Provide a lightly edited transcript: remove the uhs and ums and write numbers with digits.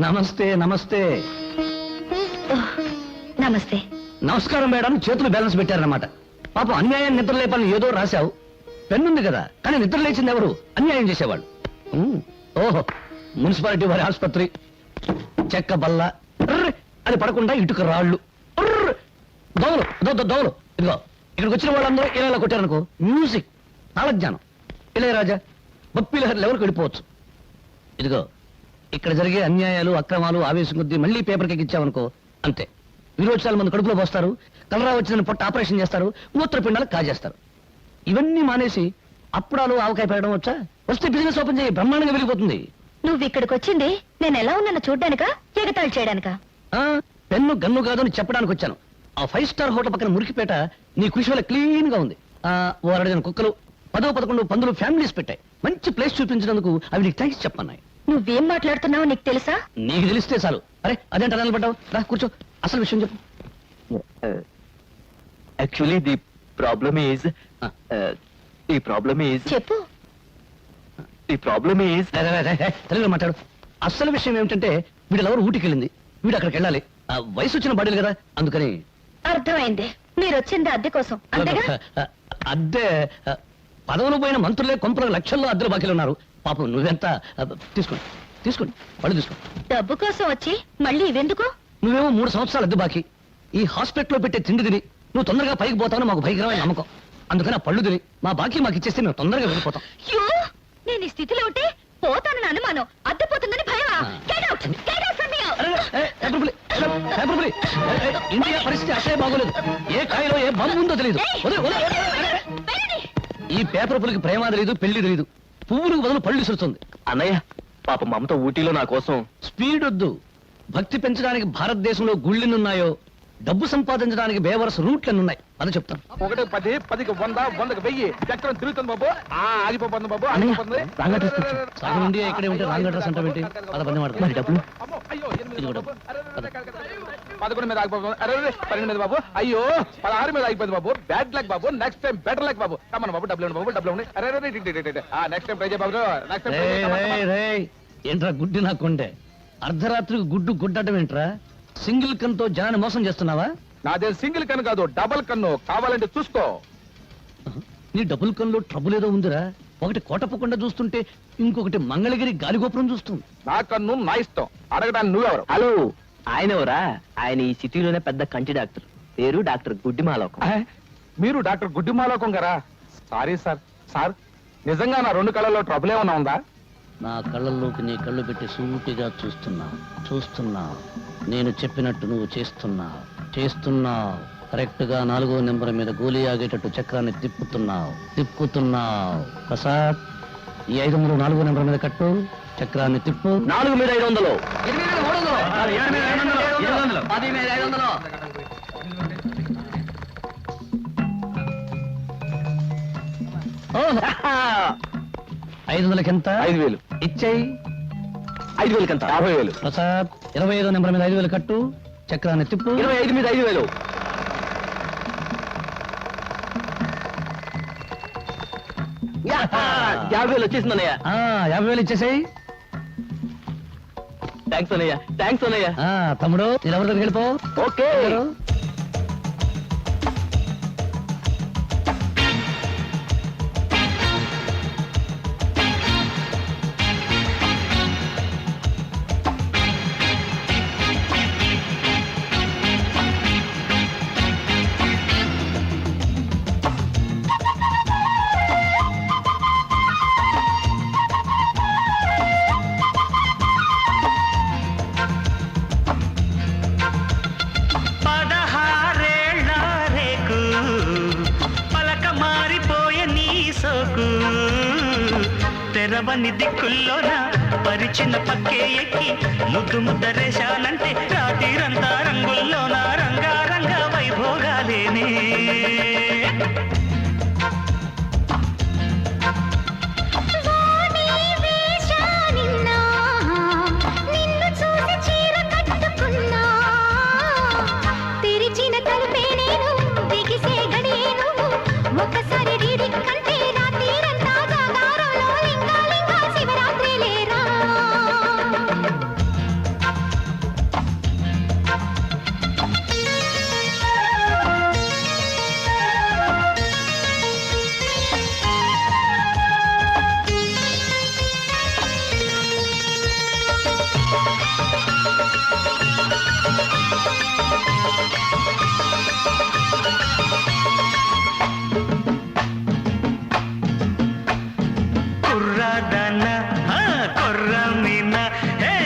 నమస్తే నమస్తే. నమస్తే. నమస్కారం మేడం. చేతులు బ్యాలెన్స్ పెట్టారన్నమాట. పాపం అన్యాయం నిద్ర లేపాలని ఏదో రాశావు. పెన్నుంది కదా, కానీ నిద్ర లేచింది ఎవరు? అన్యాయం చేసేవాళ్ళు. ఓహో, మున్సిపాలిటీ వారి ఆసుపత్రి. చెక్క బల్ల అది పడకుండా ఇటుక రాళ్ళు దోవలు దోవలు. ఇదిగో ఇక్కడికి వచ్చిన వాళ్ళందరూ ఇలా కొట్టారనుకో, మ్యూజిక్ తాళజ్ఞానం ఇళయరాజా బొప్పిలహరి లెవెల్కి వెళ్ళిపోవచ్చు. ఇదిగో ఇక్కడ జరిగే అన్యాయాలు అక్రమాలు ఆవేశం కొద్దీ మళ్ళీ పేపర్కి ఎక్కించామనుకో, అంతే. విరోచనాలు మంది కడుపులో పోస్తారు, కలరా వచ్చిన పొట్ట ఆపరేషన్ చేస్తారు, మూత్రపిండాలు కాజేస్తారు. ఇవన్నీ మానేసి అప్పుడాలు ఆవకాయ పెట్టడం వచ్చా? వస్తే బిజినెస్ ఓపెన్ చేయి, బ్రహ్మాండంగా వెళ్ళిపోతుంది. నువ్వు ఇక్కడికి వచ్చింది నేను ఎలా ఉన్నానో చూడ్డానికా, ఎగతాళి చేయడానికా? పెన్ను గన్ను కాదు అని చెప్పడానికి వచ్చాను. ఆ 5 స్టార్ హోటల్ పక్కన మురికిపేట నీ కృషి వల్ల క్లీన్ గా ఉంది. ఓ 2 కుక్కలు 10-11 పందులు ఫ్యామిలీస్ పెట్టాయి. మంచి ప్లేస్ చూపించినందుకు అవి నీకు థ్యాంక్స్ చెప్పన్నాయి. నువ్వేం మాట్లాడుతున్నావో నీకు తెలుసా? నీకు తెలిస్తే చాలు. అరే అదేంట నిలబడ్డావు? రా కూర్చో, అసలు విషయం చెప్పు. యాక్చువల్లీ ది ప్రాబ్లమ్ ఈజ్ చెప్పు. తెలుగులో మాట్లాడు. అసలు విషయం ఏమిటంటే వీడు ఎవరు ఊటికి వెళ్ళింది, వీడు అక్కడికి వెళ్ళాలి. వయసు వచ్చిన బాడీలు కదా, అందుకని. అర్థమైంది. మీరు వచ్చింది అద్దె కోసం అంతేగా? అద్దె పదవులు పోయిన మంత్రులే కొంపల లక్షల్లో అద్దెలు బాకీలు ఉన్నారు. పాపం నువ్వెంత తీసుకోండి పళ్ళు తీసుకోండి. డబ్బు కోసం వచ్చి మళ్ళీ ఇవెందుకు? నువ్వేమో 3 సంవత్సరాలు అద్దె బాకీ. ఈ హాస్పిటల్లో పెట్టే తిండి తిని నువ్వు తొందరగా పైకి పోతావని మాకు భయంకరమైన నమ్మకం. అందుకని ఆ పళ్ళు తిని మా బాకీ మాకు ఇచ్చేస్తే మేము తొందరగా వెళ్ళిపోతాం. నేను ఈ స్థితిలో ఉంటే పోతానని అనుమానం, అద్దె పోతుందని భయమా? ఇండియా పరిస్థితి అసలే బాగోలేదు. ఏ కాయలో ఏ బొమ్మ ఉందో తెలియదు. ఈ పేపర్ పులికి ప్రేమ తెలియదు, పెళ్లి తెలియదు. పువ్వులకు బదులు పళ్ళు విసురుతుంది. అన్నయ్య పాప మమత ఊటీలో నా కోసం. స్పీడ్ వద్దు. భక్తి పెంచడానికి భారతదేశంలో గుళ్ళెన్నున్నాయో, డబ్బు సంపాదించడానికి బేవరస రూట్లెన్నున్నాయి అని చెప్తాను. 1 10 10కి 100 100కి 1000 చక్రం తిరుగుతుంది బాబు. ఆగిపోతుంది బాబు, ఆగిపోతుంది. సగం ఇండియా ఇక్కడే ఉంటే రాంగ్ అడ్రస్ అంటే ఏంటి? 10 మాట్లాడు. డబ్బులు 11 మీద ఆగిపోతుంది. 12 మీద బాబు. అయ్యో 16 మీద ఆగిపోయింది బాబు. బ్యాడ్ లక్ బాబు. నెక్స్ట్ టైం బెటర్ లక్ బాబు. కమన్ బాబు, డబ్బులు బాబు, డబ్బులు ఉన్నాయి. నెక్స్ట్ టైం ట్రై చేయ బాబు. Next time. ఏంట్రా గుడ్డి నాకుండే? అర్ధరాత్రికి గుడ్డటం ఏంట్రా? సింగిల్ కన్తో జనాన్ని మోసం చేస్తున్నావా? నాదే సింగిల్ కన్ను కాదు, డబుల్ కన్ను. కావాలంటే చూసుకో. నీ డబుల్ కన్నులో ట్రబుల్ ఏదో ఉందిరా. ఒకటి కోటప్పకుండా చూస్తుంటే ఇంకొకటి మంగళగిరి గాలిగోపురం చూస్తుంది. నా కన్ను నా ఇష్టం. అడగడానికి నువ్వెవరు? హలో, ఆయన ఎవరా? ఆయన ఈ సిటీలోనే పెద్ద కంటి డాక్టర్. పేరు డాక్టర్ గుడ్డిమాలోకం. మీరు డాక్టర్ గుడ్డిమాలోకం గారా? Sorry sir. సార్ నిజంగా నా 2 కళ్ళల్లో ట్రబుల్ ఏమన్నా ఉందా? నా కళ్ళల్లోకి నీ కళ్ళు పెట్టి సూటిగా చూస్తున్నా. నేను చెప్పినట్టు నువ్వు చేస్తున్నావు. కరెక్ట్ గా 4వ నెంబర్ మీద గోలీ ఆగేటట్టు చక్రాన్ని తిప్పుతున్నావు. ప్రసాద్, ఈ 500 4వ నెంబర్ మీద కట్టు. చక్రాన్ని తిప్పు. 4 మీద 500. 500కి ఎంత? 5000 ఇచ్చేయి. 5000 కంత 50000. ప్రసాద్, 25వ నెంబర్ మీద 5000 కట్టు. చక్రాన్ని తిప్పు. 25 మీద 5000. 50,000 వచ్చేసింది అన్నయ్య. 50,000 ఇచ్చేసాయి. థ్యాంక్స్ అన్నయ్య. తమ్ముడు, నేను ఎవరి దగ్గరికి వెళ్ళిపో. ఓకే. తెరవని దిక్కుల్లోన పరిచిన పక్కే ఎక్కి ముద్దురేశానంటే రాత్రిరంతా రంగుల్లోన రంగారంగా వైభోగాలేనే. హే